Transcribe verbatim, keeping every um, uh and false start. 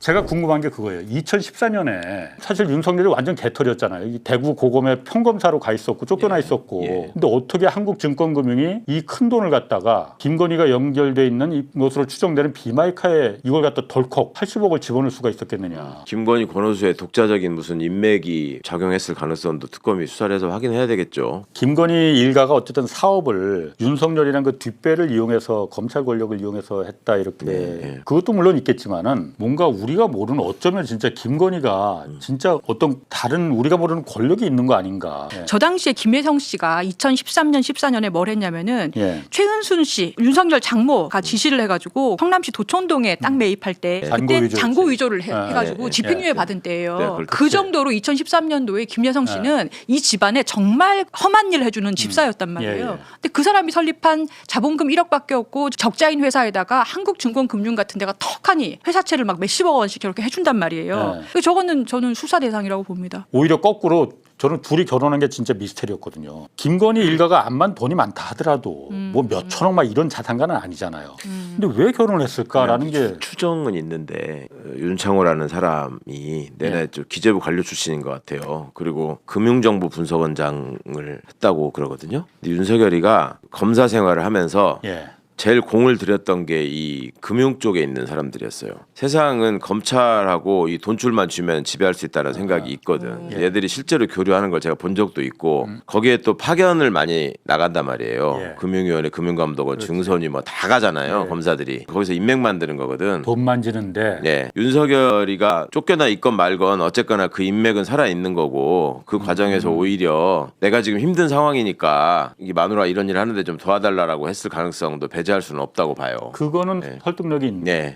제가 궁금한 게 그거예요. 이천십사 년에 사실 윤석열이 완전 개털이었잖아요. 이 대구 고검에 평검사로 가 있었고 쫓겨나 예. 있었고. 예. 근데 어떻게 한국증권금융이 이 큰 돈을 갖다가 김건희가 연결돼 있는 것으로 추정되는 비마이카에 이걸 갖다 덜컥 팔십억을 집어넣을 수가 있었겠느냐. 김건희 권오수의 독자적인 무슨 인맥이 작용했을 가능성도 특검이 수사를 해서 확인해야 되겠죠. 김건희 일가가 어쨌든 사업을 윤석열이란 그 뒷배를 이용해서 검찰 권력을 이용해서 했다 이렇게. 네. 그것도 물론 있겠지만은 뭔가 우리가 모르는 어쩌면 진짜 김건희가 진짜 어떤 다른 우리가 모르는 권력이 있는 거 아닌가. 예. 저 당시에 김혜성 씨가 이천십삼 년, 십사 년에 뭘 했냐면은 예. 최은순 씨, 윤석열 장모가 지시를 해가지고 성남시 도촌동에 땅 매입할 때 잔고 그때 위조였지. 잔고 위조를 해, 아, 해가지고 예, 예, 집행유예 예, 받은 때예요. 네, 그걸 그 정도로 이천십삼 년도에 김혜성 씨는 이 집안에 정말 험한 일을 해주는 집사였단 말이에요. 예, 예. 근데 그 사람이 설립한 자본금 일억밖에 없고 적자인 회사에다가 한국증권금융 같은 데가 턱하니 회사채를 막 몇십억 원씩 저렇게 해준단 말이에요. 예. 그래서 저거는 저는 수사 대상이라고 봅니다. 오히려 거꾸로 저는 둘이 결혼한 게 진짜 미스테리였거든요. 김건희 일가가 암만 돈이 많다 하더라도 뭐 몇천억 막 이런 자산가는 아니잖아요. 근데 왜 결혼했을까라는 게 추정은 있는데 어, 윤창호라는 사람이 내내 예. 좀 기재부 관료 출신인 것 같아요. 그리고 금융정보 분석원장을 했다고 그러거든요. 근데 윤석열이가 검사 생활을 하면서 예. 제일 공을 들였던 게 이 금융 쪽에 있는 사람들이었어요. 세상은 검찰하고 이 돈줄만 주면 지배할 수 있다는 생각이 있거든. 예. 얘들이 실제로 교류하는 걸 제가 본 적도 있고 거기에 또 파견을 많이 나간단 말이에요. 예. 금융위원회, 금융감독원, 증선위 뭐 다 가잖아요. 예. 검사들이 거기서 인맥 만드는 거거든. 돈 만지는데 네, 윤석열이가 쫓겨나 있건 말건 어쨌거나 그 인맥은 살아 있는 거고 그 과정에서 오히려 내가 지금 힘든 상황이니까 이 마누라 이런 일 하는데 좀 도와달라라고 했을 가능성도 배제할 수는 없다고 봐요. 그거는 네. 설득력이 있네. 네,